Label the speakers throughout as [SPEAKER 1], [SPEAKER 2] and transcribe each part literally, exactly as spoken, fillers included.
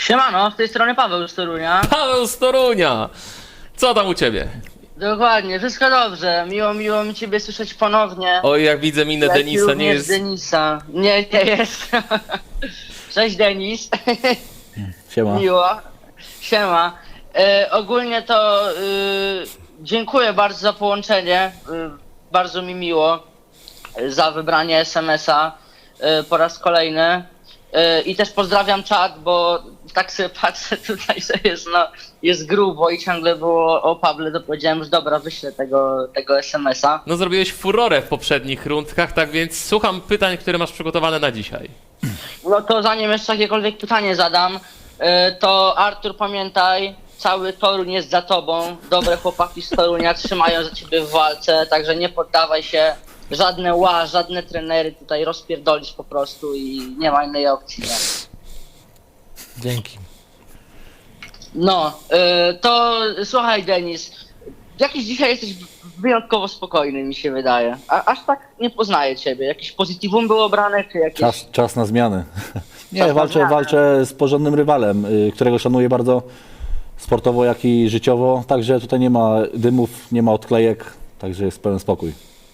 [SPEAKER 1] Siemano, z tej strony Paweł z Torunia.
[SPEAKER 2] Paweł z Torunia! Co tam u ciebie?
[SPEAKER 1] Dokładnie, wszystko dobrze. Miło, miło mi ciebie słyszeć ponownie.
[SPEAKER 2] Oj, jak widzę minę
[SPEAKER 1] Jak i
[SPEAKER 2] Denisa, nie
[SPEAKER 1] również
[SPEAKER 2] jest...
[SPEAKER 1] Denisa. Nie, nie jest. Cześć Denis.
[SPEAKER 3] Siema.
[SPEAKER 1] Miło. Siema. E, ogólnie to e, dziękuję bardzo za połączenie. E, bardzo mi miło e, za wybranie es em es a e, po raz kolejny. E, I też pozdrawiam czat, bo tak sobie patrzę tutaj, że jest, no, jest grubo i ciągle było o Pawle, to powiedziałem, że dobra, wyślę tego, tego es em es a.
[SPEAKER 2] No zrobiłeś furorę w poprzednich rundkach, tak więc słucham pytań, które masz przygotowane na dzisiaj.
[SPEAKER 1] No to zanim jeszcze jakiekolwiek pytanie zadam, e, to Artur, pamiętaj, cały Toruń jest za tobą. Dobre chłopaki z Torunia trzymają za ciebie w walce, także nie poddawaj się. Żadne ła, żadne trenery tutaj rozpierdolisz po prostu i nie ma innej opcji. Nie?
[SPEAKER 3] Dzięki.
[SPEAKER 1] No, y, to słuchaj Denis, jakiś dzisiaj jesteś wyjątkowo spokojny, mi się wydaje. A, aż tak nie poznaję ciebie. Jakieś pozytywum było brane, czy jakieś...
[SPEAKER 3] Czas, czas na zmiany. Nie,
[SPEAKER 1] Czas na
[SPEAKER 3] walczę,
[SPEAKER 1] zmianę.
[SPEAKER 3] walczę z porządnym rywalem, y, którego szanuję bardzo sportowo, jak i życiowo. Także tutaj nie ma dymów, nie ma odklejek, także jest pełen spokój.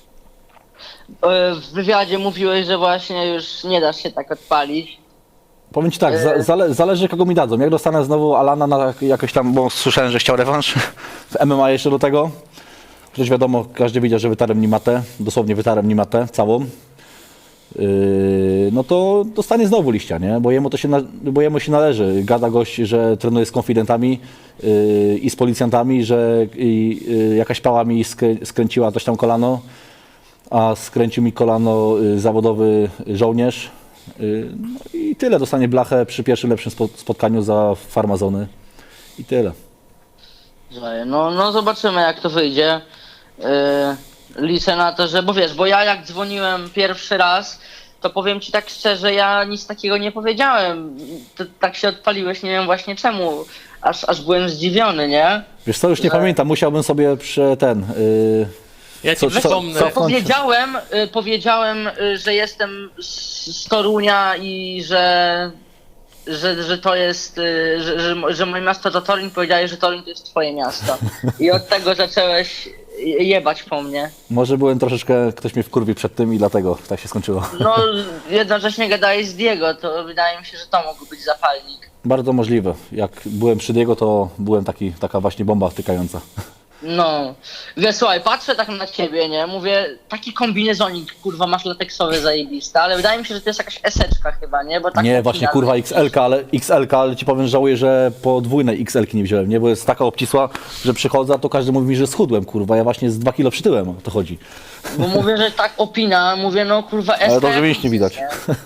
[SPEAKER 1] Y, w wywiadzie mówiłeś, że właśnie już nie dasz się tak odpalić.
[SPEAKER 3] Powiem ci tak, za, zale, zależy kogo mi dadzą. Jak dostanę znowu Alana na jakoś tam, bo słyszałem, że chciał rewanż w em em a jeszcze do tego. Przecież wiadomo, każdy widział, że wytarłem Nimatę, dosłownie wytarłem Nimatę całą. Yy, no to dostanie znowu liścia, nie? Bo jemu to się, na, bo jemu się należy. Gada gość, że trenuje z konfidentami yy, i z policjantami, że yy, jakaś pała mi skrę, skręciła coś tam kolano, a skręcił mi kolano yy, zawodowy żołnierz. Yy, no i tyle, dostanie blachę przy pierwszym lepszym spo, spotkaniu za farmazony i tyle.
[SPEAKER 1] Że No, no zobaczymy jak to wyjdzie. Yy, liczę na to, że, bo wiesz, bo ja jak dzwoniłem pierwszy raz, to powiem ci tak szczerze, ja nic takiego nie powiedziałem. Ty, tak się odpaliłeś, nie wiem właśnie czemu. Aż, aż byłem zdziwiony, nie?
[SPEAKER 3] Wiesz co, już nie
[SPEAKER 1] Że-
[SPEAKER 3] pamiętam, musiałbym sobie prze ten... Yy,
[SPEAKER 2] Ja ci
[SPEAKER 3] Co- co-
[SPEAKER 2] przypomnę...
[SPEAKER 3] co-
[SPEAKER 1] Powiedziałem, y, powiedziałem, y, że jestem z, z Torunia i że, że, że to jest, y, że, że, że moje miasto to Toruń, powiedziałeś, że Toruń to jest twoje miasto. I od tego zacząłeś jebać po mnie.
[SPEAKER 3] Może byłem troszeczkę, ktoś mnie wkurwił przed tym i dlatego tak się skończyło.
[SPEAKER 1] No, jednocześnie gadałeś z Diego, to wydaje mi się, że to mógł być zapalnik.
[SPEAKER 3] Bardzo możliwe. Jak byłem przy Diego, to byłem taki, taka właśnie bomba wtykająca.
[SPEAKER 1] No, wiesz, słuchaj, patrzę tak na ciebie, nie, mówię, taki kombinezonik, kurwa, masz lateksowy zajebista, ale wydaje mi się, że to jest jakaś eseczka chyba, nie, bo tak
[SPEAKER 3] Nie,
[SPEAKER 1] opina-
[SPEAKER 3] właśnie kurwa X L K, ale X L K, ale ci powiem, żałuję, że podwójnej X L ki nie wziąłem, nie? Bo jest taka obcisła, że przychodzę, to każdy mówi mi, że schudłem, kurwa. Ja właśnie z dwa kilo przytyłem, o to chodzi.
[SPEAKER 1] Bo mówię, że tak opina, mówię, no kurwa, S K.
[SPEAKER 3] Ale dobrze mięśni widać.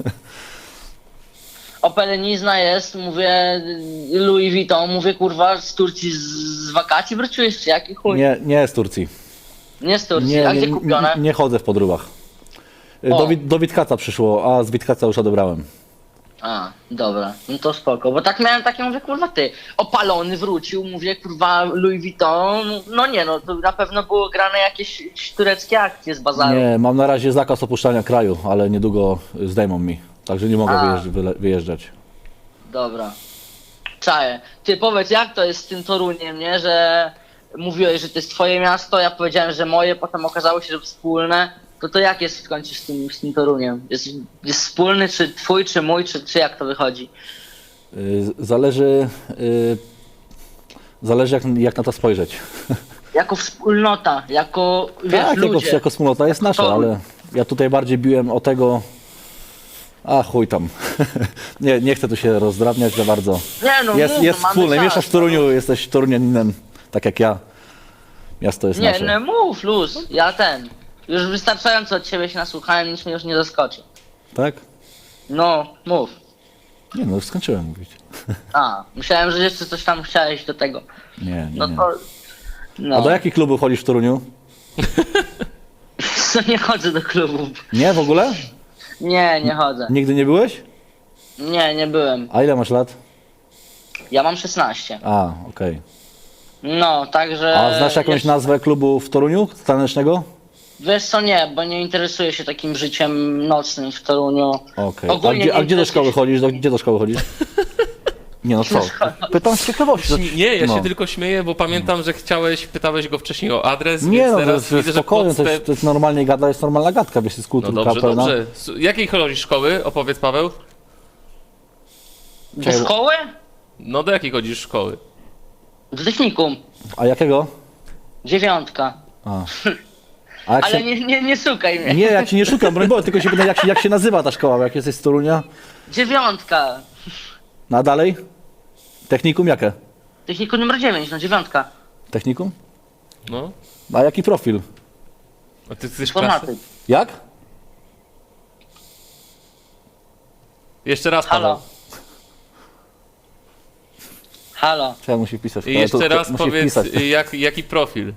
[SPEAKER 1] Opelenizna jest, mówię, Louis Vuitton, mówię, kurwa, z Turcji z, z wakacji wróciłeś, czy jaki chuj? Nie,
[SPEAKER 3] Nie, nie z Turcji.
[SPEAKER 1] z Turcji,
[SPEAKER 3] Nie,
[SPEAKER 1] a
[SPEAKER 3] nie,
[SPEAKER 1] gdzie kupione?
[SPEAKER 3] nie, nie chodzę w podróbach.
[SPEAKER 1] O.
[SPEAKER 3] Do, Wit- do Witkaca przyszło, a z Witkaca już odebrałem.
[SPEAKER 1] A, dobra, no to spoko, bo tak miałem takie, mówię, kurwa, ty, opalony wrócił, mówię, kurwa, Louis Vuitton, no nie, no, to na pewno było grane jakieś tureckie akcje z bazaru.
[SPEAKER 3] Nie, mam na razie zakaz opuszczania kraju, ale niedługo zdejmą mi, także nie mogę
[SPEAKER 1] A.
[SPEAKER 3] wyjeżdż- wyle- wyjeżdżać.
[SPEAKER 1] Dobra. Czaję. Ty powiedz, jak to jest z tym Toruniem, nie? Że mówiłeś, że to jest twoje miasto, ja powiedziałem, że moje, potem okazało się, że wspólne. To to jak jest w końcu z tym, z tym Toruniem? Jest, jest wspólny, czy twój, czy mój, czy, czy jak to wychodzi?
[SPEAKER 3] Y, Zależy, y, zależy jak, jak na to spojrzeć.
[SPEAKER 1] Jako wspólnota, jako, wiesz,
[SPEAKER 3] Tak, jako,
[SPEAKER 1] ludzie.
[SPEAKER 3] jako wspólnota jest nasza,
[SPEAKER 1] Toruń.
[SPEAKER 3] ale ja tutaj bardziej biłem o tego... A chuj tam. nie, nie chcę tu się rozdrabniać za bardzo.
[SPEAKER 1] Nie, no
[SPEAKER 3] Jest,
[SPEAKER 1] mów,
[SPEAKER 3] jest
[SPEAKER 1] mamy
[SPEAKER 3] wspólne.
[SPEAKER 1] czas,
[SPEAKER 3] Mieszkasz w Toruniu, jesteś Torunianinem, tak jak ja. Miasto jest
[SPEAKER 1] Nie,
[SPEAKER 3] nasze.
[SPEAKER 1] nie mów, luz, ja ten. Już wystarczająco od ciebie się nasłuchałem, nic mnie już nie zaskoczy.
[SPEAKER 3] Tak?
[SPEAKER 1] No, mów.
[SPEAKER 3] Nie no, już skończyłem mówić.
[SPEAKER 1] A, myślałem, że jeszcze coś tam chciałeś do tego.
[SPEAKER 3] Nie, nie,
[SPEAKER 1] No
[SPEAKER 3] nie.
[SPEAKER 1] to... No.
[SPEAKER 3] A do jakich klubów chodzisz w Toruniu?
[SPEAKER 1] Co, nie chodzę do klubów.
[SPEAKER 3] Nie, w ogóle?
[SPEAKER 1] Nie, nie chodzę.
[SPEAKER 3] Nigdy nie byłeś?
[SPEAKER 1] Nie, nie byłem.
[SPEAKER 3] A ile masz lat?
[SPEAKER 1] Ja mam szesnaście.
[SPEAKER 3] A, okej.
[SPEAKER 1] No, także...
[SPEAKER 3] A znasz jakąś
[SPEAKER 1] jeszcze-
[SPEAKER 3] nazwę klubu w Toruniu tanecznego?
[SPEAKER 1] Wiesz co, nie, bo nie interesuję się takim życiem nocnym w Toruniu.
[SPEAKER 3] Okej. A
[SPEAKER 1] Ogólnie
[SPEAKER 3] gdzie, a
[SPEAKER 1] nie
[SPEAKER 3] gdzie do
[SPEAKER 1] interesuję
[SPEAKER 3] szkoły
[SPEAKER 1] się-
[SPEAKER 3] chodzisz? Do, gdzie do szkoły chodzisz? Nie no co, pytam z ciekawości.
[SPEAKER 2] Śmi- Nie, ja
[SPEAKER 3] No.
[SPEAKER 2] się tylko śmieję, bo pamiętam, że chciałeś, pytałeś go wcześniej o adres,
[SPEAKER 3] Nie
[SPEAKER 2] więc
[SPEAKER 3] no, to
[SPEAKER 2] teraz
[SPEAKER 3] jest, to jest
[SPEAKER 2] widzę, że
[SPEAKER 3] spokojnie, to
[SPEAKER 2] podstęp...
[SPEAKER 3] jest, to jest normalnie gada, jest normalna gadka, wiesz, z
[SPEAKER 2] No
[SPEAKER 3] kulturka
[SPEAKER 2] dobrze,
[SPEAKER 3] pełna.
[SPEAKER 2] dobrze. S- Jakiej chodzisz szkoły? Opowiedz, Paweł.
[SPEAKER 1] Do szkoły?
[SPEAKER 2] No do jakiej chodzisz szkoły?
[SPEAKER 1] Do technikum.
[SPEAKER 3] A jakiego?
[SPEAKER 1] Dziewiątka.
[SPEAKER 3] A, A jak
[SPEAKER 1] Ale
[SPEAKER 3] się...
[SPEAKER 1] nie, nie, nie szukaj mnie.
[SPEAKER 3] Nie, ja ci nie szukam, broń Boże, tylko się pytam, jak, się- jak się nazywa ta szkoła, bo jak jesteś z Torunia.
[SPEAKER 1] Dziewiątka.
[SPEAKER 3] No a dalej? Technikum jakie?
[SPEAKER 1] Technikum numer dziewięć, no dziewiątka.
[SPEAKER 3] Technikum?
[SPEAKER 2] No.
[SPEAKER 3] A jaki profil?
[SPEAKER 2] A ty chcesz klasy?
[SPEAKER 1] Informatyk.
[SPEAKER 3] Jak?
[SPEAKER 2] Jeszcze raz, Paweł.
[SPEAKER 1] Halo. Halo.
[SPEAKER 3] Trzeba musi wpisać.
[SPEAKER 2] I jeszcze
[SPEAKER 3] To- to-
[SPEAKER 2] raz
[SPEAKER 3] musi
[SPEAKER 2] powiedz,
[SPEAKER 3] wpisać.
[SPEAKER 2] jak, jaki profil.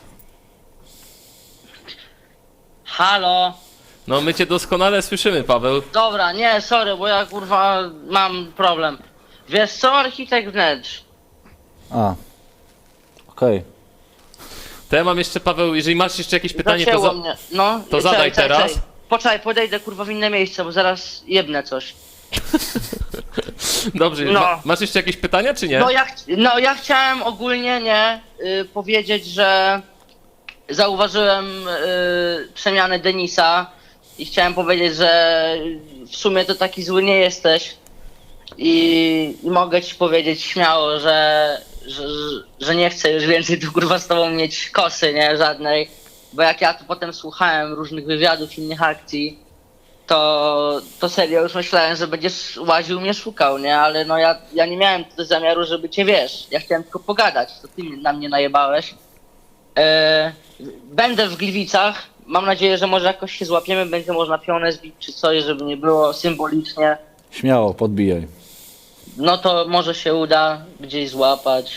[SPEAKER 1] Halo.
[SPEAKER 2] No my cię doskonale słyszymy, Paweł.
[SPEAKER 1] Dobra, nie, sorry, bo ja kurwa mam problem. Wiesz co, architekt wnętrz.
[SPEAKER 3] A. Okej.
[SPEAKER 2] To ja mam jeszcze, Paweł, jeżeli masz jeszcze jakieś pytanie, to,
[SPEAKER 1] Zacięło
[SPEAKER 2] za...
[SPEAKER 1] mnie. No,
[SPEAKER 2] to
[SPEAKER 1] czekaj,
[SPEAKER 2] zadaj
[SPEAKER 1] czekaj,
[SPEAKER 2] teraz.
[SPEAKER 1] czekaj. Poczekaj, podejdę kurwa w inne miejsce, bo zaraz jebnę coś.
[SPEAKER 2] Dobrze,
[SPEAKER 1] No.
[SPEAKER 2] ma, masz jeszcze jakieś pytania, czy nie?
[SPEAKER 1] No ja, ch- no ja chciałem ogólnie nie y, powiedzieć, że zauważyłem y, przemianę Denisa i chciałem powiedzieć, że w sumie to taki zły nie jesteś i, i mogę ci powiedzieć śmiało, że, że, że nie chcę już więcej tu kurwa z tobą mieć kosy, nie, żadnej, bo jak ja tu potem słuchałem różnych wywiadów, innych akcji, to, to serio już myślałem, że będziesz łaził mnie szukał, nie? Ale no ja, ja nie miałem tutaj zamiaru, żeby cię wiesz. Ja chciałem tylko pogadać, to ty na mnie najebałeś. E, będę w Gliwicach. Mam nadzieję, że może jakoś się złapiemy, będzie można pionę zbić czy coś, żeby nie było symbolicznie.
[SPEAKER 3] Śmiało, podbijaj.
[SPEAKER 1] No to może się uda gdzieś złapać.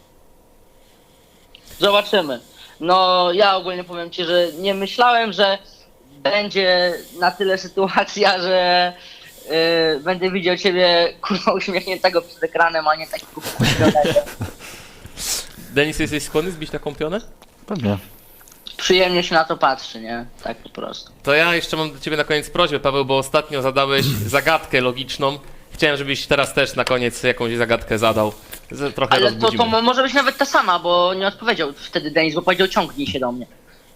[SPEAKER 1] Zobaczymy. No ja ogólnie powiem ci, że nie myślałem, że będzie na tyle sytuacja, że yy, będę widział ciebie kurwa uśmiechniętego przed ekranem, a nie takiego wkurwionego.
[SPEAKER 2] Denis, jesteś skłonny zbić taką pionę?
[SPEAKER 3] Pewnie.
[SPEAKER 1] Przyjemnie się na to patrzy, nie? Tak po prostu.
[SPEAKER 2] To ja jeszcze mam do ciebie na koniec prośbę, Paweł, bo ostatnio zadałeś zagadkę logiczną. Chciałem, żebyś teraz też na koniec jakąś zagadkę zadał. Z- Trochę
[SPEAKER 1] Ale to,
[SPEAKER 2] rozbudzimy.
[SPEAKER 1] to mo- może być nawet ta sama, bo nie odpowiedział wtedy Denis, bo powiedział ciągnij się do mnie.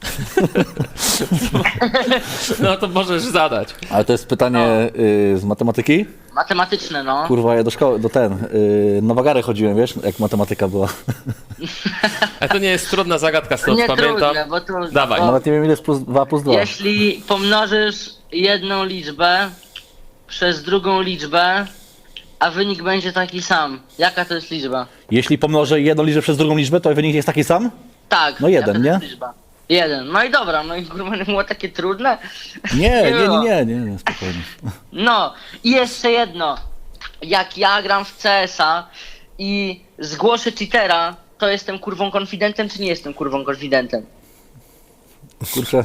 [SPEAKER 2] No to możesz zadać.
[SPEAKER 3] Ale to jest pytanie y, z matematyki?
[SPEAKER 1] Matematyczne, no.
[SPEAKER 3] Kurwa, ja do szkoły, do ten, y, na wagary chodziłem, wiesz, jak matematyka była.
[SPEAKER 2] A to nie jest trudna zagadka, stąd
[SPEAKER 1] Nie
[SPEAKER 2] pamiętam.
[SPEAKER 1] trudne, bo to...
[SPEAKER 2] Dawaj.
[SPEAKER 1] bo
[SPEAKER 3] Nawet nie wiem ile jest plus dwa plus dwa.
[SPEAKER 1] jeśli pomnożysz jedną liczbę przez drugą liczbę, a wynik będzie taki sam. Jaka to jest liczba?
[SPEAKER 3] Jeśli pomnożę jedną liczbę przez drugą liczbę, to wynik jest taki sam?
[SPEAKER 1] Tak.
[SPEAKER 3] No jeden,
[SPEAKER 1] jaka to jest
[SPEAKER 3] nie?
[SPEAKER 1] liczba? Jeden. No i dobra, no i kurwa nie było takie trudne.
[SPEAKER 3] Nie, nie, nie,
[SPEAKER 1] było.
[SPEAKER 3] nie, nie, nie, spokojnie.
[SPEAKER 1] No i jeszcze jedno. Jak ja gram w C S a i zgłoszę cheatera, to jestem kurwą konfidentem, czy nie jestem kurwą konfidentem?
[SPEAKER 3] Kurczę.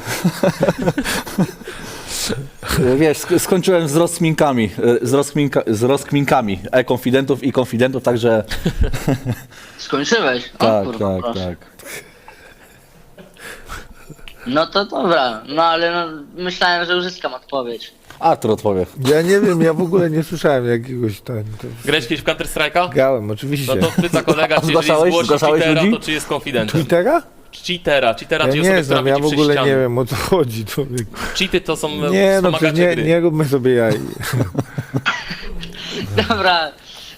[SPEAKER 3] Wiesz, sk- skończyłem z rozkminkami, y, z, rozkminka, z rozkminkami e-konfidentów i konfidentów, także
[SPEAKER 1] Skończyłeś? O,
[SPEAKER 3] tak,
[SPEAKER 1] kurwa,
[SPEAKER 3] tak,
[SPEAKER 1] proszę.
[SPEAKER 3] tak.
[SPEAKER 1] No to dobra, no ale no, myślałem, że uzyskam odpowiedź.
[SPEAKER 3] Artur odpowie.
[SPEAKER 4] Ja nie wiem, ja w ogóle nie słyszałem jakiegoś tam. To...
[SPEAKER 2] Grałeś kiedyś w Counter Strike'a?
[SPEAKER 4] Grałem, oczywiście.
[SPEAKER 2] No to pyta kolega, czy jeżeli
[SPEAKER 3] Zgłaszałeś-
[SPEAKER 2] zgłosi
[SPEAKER 3] zgłaszałeś
[SPEAKER 2] cheatera,
[SPEAKER 3] ludzi?
[SPEAKER 2] to czy jest konfidentem?
[SPEAKER 4] Twittera?
[SPEAKER 2] Cheatera, cheatera,
[SPEAKER 4] Ja
[SPEAKER 2] czyli osobę,
[SPEAKER 4] nie
[SPEAKER 2] która
[SPEAKER 4] znam, ja
[SPEAKER 2] widzi
[SPEAKER 4] w
[SPEAKER 2] przez
[SPEAKER 4] ogóle
[SPEAKER 2] ściany.
[SPEAKER 4] nie wiem o co chodzi. Człowiek.
[SPEAKER 2] Cheaty to są
[SPEAKER 4] Nie, no
[SPEAKER 2] wspomagacze
[SPEAKER 4] przecież nie,
[SPEAKER 2] gry.
[SPEAKER 4] nie róbmy sobie jaj.
[SPEAKER 1] Dobra.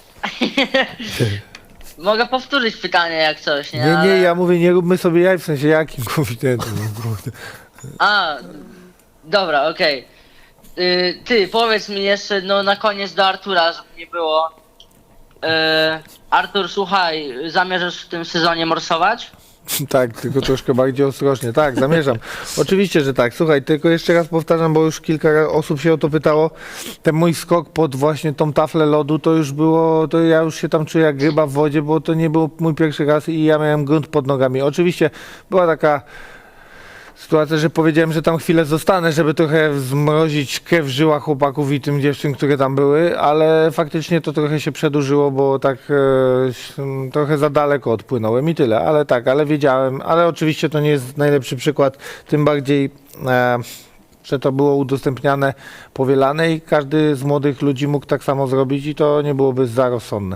[SPEAKER 1] Mogę powtórzyć pytanie jak coś, nie?
[SPEAKER 4] Nie, nie,
[SPEAKER 1] Ale-
[SPEAKER 4] ja mówię, nie róbmy sobie jaj, w sensie jakim konfidentem. no kurde.
[SPEAKER 1] A, dobra, okej. Y, Ty, powiedz mi jeszcze, no na koniec do Artura, żeby nie było. Y, Artur, słuchaj, zamierzasz w tym sezonie morsować?
[SPEAKER 4] Tak, tylko troszkę bardziej ostrożnie. Tak, zamierzam. Oczywiście, że tak. Słuchaj, tylko jeszcze raz powtarzam, bo już kilka osób się o to pytało. Ten mój skok pod właśnie tą taflę lodu, to już było, to ja już się tam czuję jak ryba w wodzie, bo to nie był mój pierwszy raz i ja miałem grunt pod nogami. Oczywiście była taka sytuacja, że powiedziałem, że tam chwilę zostanę, żeby trochę zmrozić krew w żyłach chłopaków i tym dziewczyn, które tam były, ale faktycznie to trochę się przedłużyło, bo tak e, trochę za daleko odpłynąłem i tyle, ale tak, ale wiedziałem, ale oczywiście to nie jest najlepszy przykład, tym bardziej e, że to było udostępniane, powielane i każdy z młodych ludzi mógł tak samo zrobić i to nie byłoby za rozsądne.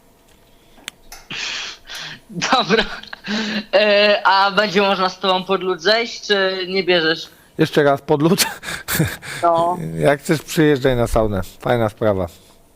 [SPEAKER 1] Dobra. E, a będzie można z tobą pod lód zejść, czy nie bierzesz?
[SPEAKER 4] Jeszcze raz podlód.
[SPEAKER 1] No.
[SPEAKER 4] Jak chcesz, przyjeżdżaj na saunę. Fajna sprawa.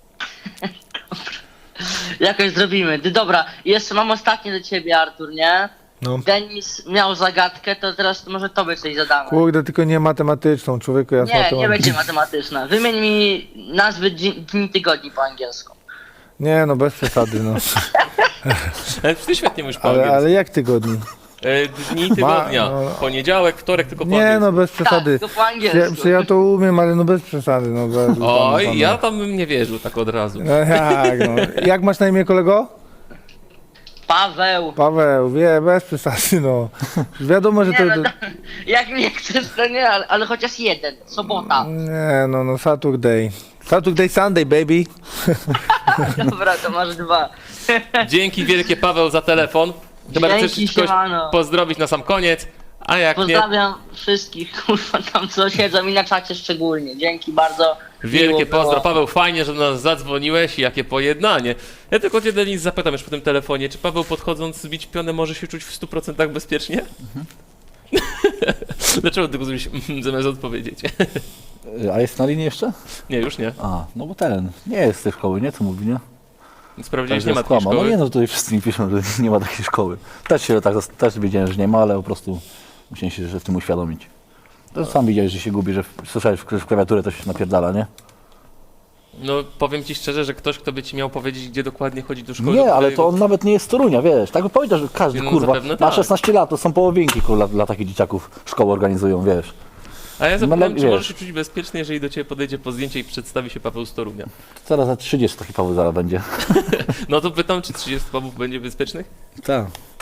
[SPEAKER 1] Jakoś zrobimy. Ty, dobra, jeszcze mam ostatnie do ciebie, Artur, nie?
[SPEAKER 4] No.
[SPEAKER 1] Denis miał zagadkę, to teraz może tobie coś zadamy.
[SPEAKER 4] Kurde, tylko nie matematyczną, człowieku, ja z
[SPEAKER 1] Nie, nie
[SPEAKER 4] matematyką-
[SPEAKER 1] będzie matematyczna. Wymień mi nazwy dzi- dni tygodni po angielsku.
[SPEAKER 4] Nie, no bez przesady, no.
[SPEAKER 2] Ale ty świetnie mówisz po
[SPEAKER 4] Ale,
[SPEAKER 2] angielsku.
[SPEAKER 4] ale jak tygodni?
[SPEAKER 2] E, Dni tygodnia.
[SPEAKER 4] no.
[SPEAKER 2] Poniedziałek, wtorek, tylko po
[SPEAKER 4] Nie,
[SPEAKER 2] angielsku.
[SPEAKER 4] no bez przesady.
[SPEAKER 1] Tak, to po
[SPEAKER 4] Ja,
[SPEAKER 1] angielsku.
[SPEAKER 4] czy ja to umiem, ale no bez przesady, no. Bez,
[SPEAKER 2] Oj,
[SPEAKER 4] tam,
[SPEAKER 2] ja tam bym nie wierzył tak od razu.
[SPEAKER 4] No jak, no. Jak masz na imię, kolego?
[SPEAKER 1] Paweł.
[SPEAKER 4] Paweł, wie, bez przesady, no. Wiadomo, że
[SPEAKER 1] Nie,
[SPEAKER 4] to...
[SPEAKER 1] no,
[SPEAKER 4] to...
[SPEAKER 1] to, jak nie chcesz, to nie, ale, ale chociaż jeden. Sobota.
[SPEAKER 4] Nie, no, no, Saturday. Saturday, Sunday, baby.
[SPEAKER 1] Dobra, to masz dwa.
[SPEAKER 2] Dzięki wielkie, Paweł, za telefon. Chyba
[SPEAKER 1] Dzięki,
[SPEAKER 2] chcesz kogoś
[SPEAKER 1] siemano.
[SPEAKER 2] pozdrowić na sam koniec, a jak nie,
[SPEAKER 1] Pozdrawiam wszystkich, kurwa, tam co siedzą i na czacie szczególnie. Dzięki bardzo.
[SPEAKER 2] wielkie
[SPEAKER 1] Miło było.
[SPEAKER 2] pozdro. Paweł, fajnie, że do nas zadzwoniłeś i jakie pojednanie. Ja tylko cię, Denis, zapytam już po tym telefonie, czy Paweł podchodząc zbić pionę może się czuć w stu procentach bezpiecznie? Dlaczego tylko zrobić mhm, zamiast odpowiedzieć?
[SPEAKER 3] A jest na linii jeszcze?
[SPEAKER 2] Nie, już nie.
[SPEAKER 3] A, no bo ten, nie jest z tej szkoły, nie? Co mówi, nie?
[SPEAKER 2] Sprawdziłeś,
[SPEAKER 3] Także
[SPEAKER 2] nie ma takiej
[SPEAKER 3] skłamał. No
[SPEAKER 2] szkoły?
[SPEAKER 3] nie, no tutaj wszyscy mi piszą, że nie ma takiej szkoły. Też się tak, też wiedziałem, że nie ma, ale po prostu musiałem się że w tym uświadomić. To sam widziałeś, że się gubi, że w, słyszałeś, że w klawiaturę to się napierdala, nie?
[SPEAKER 2] No powiem ci szczerze, że ktoś, kto by ci miał powiedzieć, gdzie dokładnie chodzi do szkoły...
[SPEAKER 3] Nie,
[SPEAKER 2] do
[SPEAKER 3] ale
[SPEAKER 2] którego-
[SPEAKER 3] to on nawet nie jest z Torunia, wiesz. Tak by powiedział, że każdy,
[SPEAKER 2] No,
[SPEAKER 3] kurwa,
[SPEAKER 2] zapewne
[SPEAKER 3] ma
[SPEAKER 2] tak.
[SPEAKER 3] szesnaście lat, to są połowinki, kurwa, dla, dla takich dzieciaków szkoły organizują, wiesz.
[SPEAKER 2] A ja
[SPEAKER 3] No,
[SPEAKER 2] zapytam,
[SPEAKER 3] ale
[SPEAKER 2] czy
[SPEAKER 3] wiesz.
[SPEAKER 2] możesz się czuć bezpiecznie, jeżeli do ciebie podejdzie po zdjęcie i przedstawi się Paweł z Torunia?
[SPEAKER 3] Zaraz za trzydzieści taki Paweł zaraz będzie.
[SPEAKER 2] No to pytam, czy trzydzieści Pawłów będzie bezpiecznych?
[SPEAKER 3] Tak.